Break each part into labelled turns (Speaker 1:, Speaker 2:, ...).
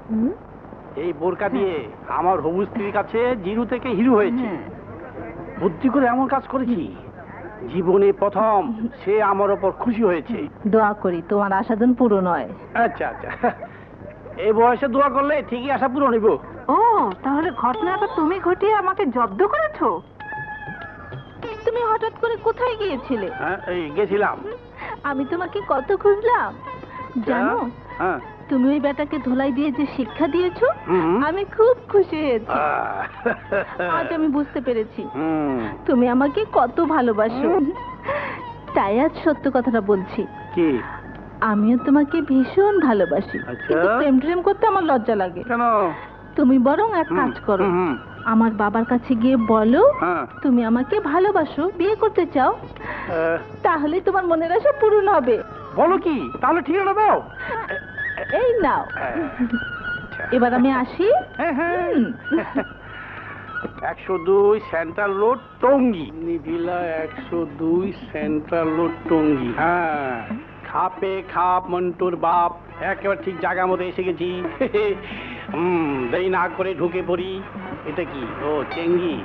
Speaker 1: এই বোরকা দিয়ে আমার হবু স্ত্রীর কাছে জিরো থেকে হিরো হয়েছে। বুদ্ধি করে এমন কাজ করেছি, জীবনে প্রথম সে আমার ওপর খুশি হয়েছে।
Speaker 2: দোয়া করি তোমার আশা যেন পূরণ হয়।
Speaker 1: আচ্ছা আচ্ছা, এই বয়সে দোয়া করলে ঠিকই আশা পূরণ হইব।
Speaker 2: ও তাহলে ঘটনাটা তুমি ঘটিয়ে আমাকে জব্দ করেছো? তুমি হঠাৎ করে কোথায় গিয়েছিলে?
Speaker 1: হ্যাঁ, এই গেছিলাম।
Speaker 2: আমি তোমাকে কত খুঁজলাম জানো।
Speaker 1: হ্যাঁ,
Speaker 2: তুমি ওই বেটাকে ধোলাই দিয়ে যে শিক্ষা দিয়েছো, আমি খুব খুশি হয়েছি। আজ আমি বুঝতে পেরেছি তুমি আমাকে কত ভালোবাসো। তাই আজ সত্য কথাটা বলছি।
Speaker 1: কি?
Speaker 2: আমিও তোমাকে ভীষণ ভালোবাসি। কিন্তু প্রেম করতে আমার লজ্জা লাগে।
Speaker 1: কেন?
Speaker 2: তুমি বরং এক কাজ করো, আমার বাবার কাছে গিয়ে বলো তুমি আমাকে ভালোবাসো, বিয়ে করতে চাও। তাহলে তোমার মনের আশা পূরণ হবে।
Speaker 1: বলো কি? তাহলে ঠিক আছে, দাও।
Speaker 2: এই নাও। এবার আমি আসি।
Speaker 1: 102 সেন্ট্রাল রোড টঙ্গী। নিভিলা 102 সেন্ট্রাল রোড টঙ্গী। হ্যাঁ, খাপে খাপ মন্টুর বাপ, একেবারে ঠিক জায়গা মতো এসে গেছি। দেরি না করে ঢুকে পড়ি। এটা কি? ও চেঙ্গি।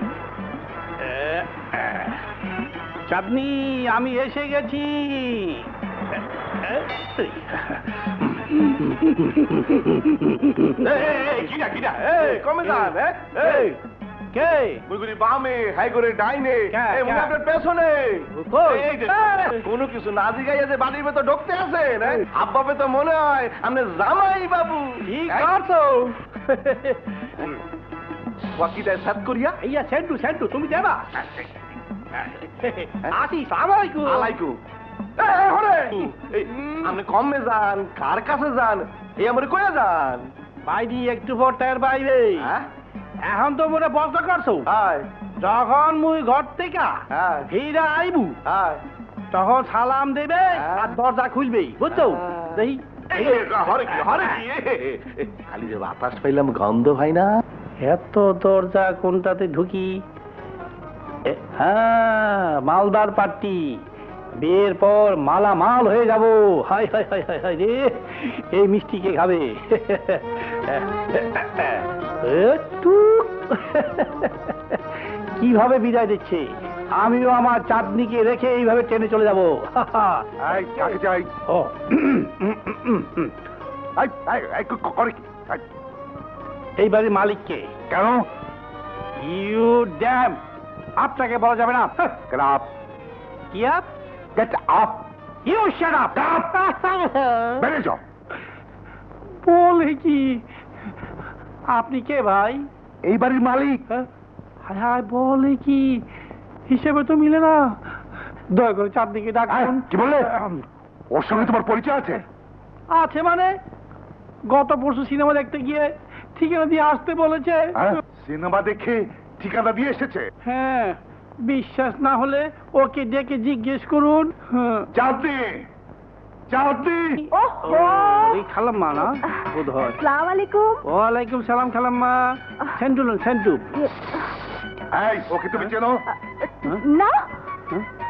Speaker 1: চাঁদনি, আমি এসে গেছি।
Speaker 3: কমে যান।
Speaker 1: কে?
Speaker 3: মুগুরি বামে, হাই করে ডাইনে, আপনার পেছনে। কোনো কিছু না জিগাইয়া যে বাড়ির ভেতর ঢুকতে আছেন, আব্বাবে তো মনে হয় আপনি জামাই বাবু।
Speaker 1: ঠিক করছো।
Speaker 3: ওয়াকিটায় সাত করিয়া
Speaker 1: ইয়া সেন্টু সেন্টু, তুমি দেবা? আসি, সালাম আলাইকুম।
Speaker 3: আলাইকুম। আপনি কমে যান, কার কাছে যান, এই আমার কয়ে যান?
Speaker 1: বাইরে একটু পর তার বাইরে। এখন তো মনে বন্ধ করছো। যখন মুই ঘর থেকে ফিরে আইবু, তখন সালাম দেবে আর দরজা খুলবে, বুঝছো? দেখি
Speaker 3: খালি যে বাতাস পাইলাম, গন্ধ হয় না।
Speaker 1: এত দরজা কোনটাতে ঢুকি? হ্যাঁ, মালদার পার্টি। বিয়ের পর মালা মাল হয়ে যাব। হাই হাই হাই হাই হাই রে, এই মিষ্টি কে খাবে? কিভাবে বিদায় দিচ্ছে? আমিও আমার চাঁদনিকে রেখে এইভাবে ট্রেনে চলে যাবো। এই বাড়ির মালিককে।
Speaker 3: কেন?
Speaker 1: You damn. আপনাকে বলা যাবে না।
Speaker 3: Get up.
Speaker 1: কি up?
Speaker 3: Get up.
Speaker 1: You shut up.
Speaker 3: বেড়ে যাও।
Speaker 1: বলে কি? আপনি কে ভাই?
Speaker 3: এই বাড়ির মালিক।
Speaker 1: হায় হায়, বলে কি? হিসেবে তো মিলে না। দয়া করে চাঁদনিকে ডাকুন।
Speaker 3: কি বললে? ওর সঙ্গে তোমার পরিচয় আছে?
Speaker 1: আছে মানে? গত পরশু সিনেমা দেখতে গিয়ে ঠিকানা দিয়ে আসতে বলেছে।
Speaker 3: সিনেমা দেখে ঠিকানা দিয়ে এসেছে?
Speaker 1: হ্যাঁ, বিশ্বাস না হলে ওকে ডেকে জিজ্ঞেস করুন।
Speaker 3: চাঁদনি, চাঁদনি।
Speaker 1: এই খালাম্মা না বোধ হয়।
Speaker 2: আসসালামু আলাইকুম।
Speaker 1: ওয়ালাইকুম সালাম খালাম্মা। সেন্টু সেন্টু।
Speaker 3: এই, ওকে তুমি চেনো?
Speaker 2: না।